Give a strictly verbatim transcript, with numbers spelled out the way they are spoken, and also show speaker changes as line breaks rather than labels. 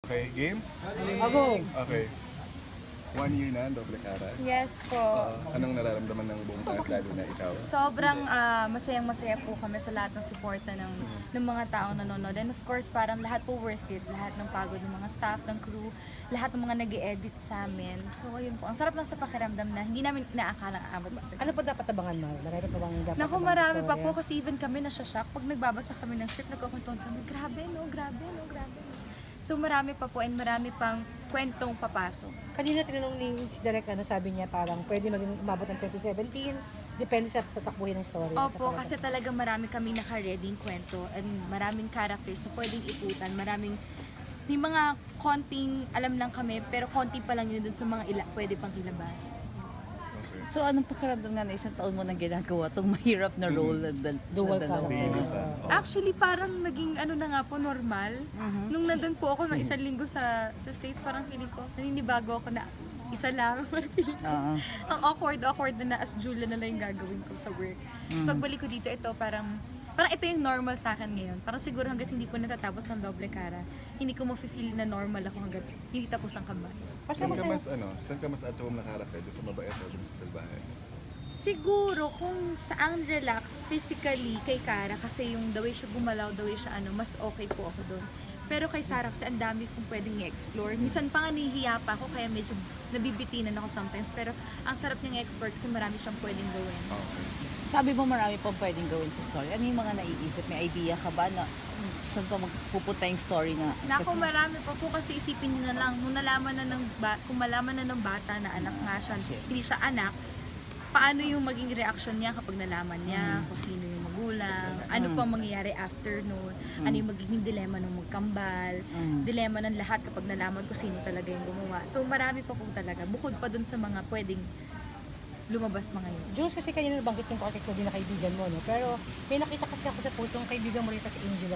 Okay, game?
Ako.
Okay. One year na, doble cara.
Yes po.
Uh, anong nararamdaman ng buong cast, lalo na ikaw?
Sobrang ah, masayang-masaya po kami sa lahat ng suporta ng, ng mga taong nanonood. And of course, parang lahat po worth it. Lahat ng pagod ng mga staff, ng crew, lahat ng mga nag edit sa amin. So, ayun po. Ang sarap lang sa pakiramdam na hindi namin inaakalang aabot pa sa
Ano pa dapat abangan mo? Marami pa bang dapat
Naku,
abangan
marami
sa
pa
storya?
po kasi even kami nasashock. Pag nagbabasa kami ng script, nagkukwentuhan kami, grabe no, grabe no, grabe no. So marami pa po and marami pang kwentong papasok.
Kanina tinanong ni si Direk, ano sabi niya, parang pwede maging umabot ng twenty seventeen, depende sa tatakbuhin ng story.
Opo, kasi talaga marami kami naka-ready kwento and maraming characters na pwedeng iputan. Maraming, may mga konting alam lang kami, pero konti pa lang yun dun sa mga ila, pwede pang ilabas.
Okay.
So anong pakiramdam nga na isang taon mo nang ginagawa tong mahirap na role na, dal-
Dual
na dalawa?
character.
Baby pa. Oh.
Actually, parang naging ano na nga po, normal.
Mhm.
Nung nandun po ako ng isang linggo sa sa States, parang feeling ko, naninibago ako na isa lang. Parang feeling ko,
Oo.
ang awkward, awkward na na as Julia na lang yung gagawin ko sa work. So pagbalik ko dito, ito parang, parang ito yung normal sa akin ngayon. Parang siguro hanggat hindi po natatapos ang doble cara, hindi ko ma-feel na normal ako hanggat hindi tapos ang kaba.
Saan ka mas, ano, saan ka mas at home na character? Doon sa mabait o doon sa salbahe?
Siguro kung saan relax physically kay Kara kasi yung the way siya gumalaw, the way siya ano, mas okay po ako doon. Pero kay Sarah kasi ang dami kong pwedeng i-explore. Minsan pa nga nahihiya pa ako kaya medyo nabibitinan ako sometimes. Pero ang sarap niyang explore kasi marami siyang pwedeng gawin.
Okay.
Sabi mo marami pang pwedeng gawin sa story. Ano yung mga naiisip? May idea ka ba na hmm, saan pa magpupunta yung story na?
Naku,
kasi-
marami pa po kasi isipin niyo na lang, nung nalaman na ng ba- kung malaman na ng bata na anak nga siya, hindi siya anak, paano yung maging reaction niya kapag nalaman niya kung sino yung magulang, ano
Mm.
pa ang mangyayari after noon, ano yung magiging dilema ng magkambal,
Mm.
dilema ng lahat kapag nalaman ko sino talaga yung gumawa. So marami pa po talaga, bukod pa dun sa mga pwedeng lumabas pa ngayon.
Jules, kasi kanina nabanggit yung project mo din na kaibigan mo, no? Pero may nakita kasi ako sa post yung kaibigan mo rin si Angel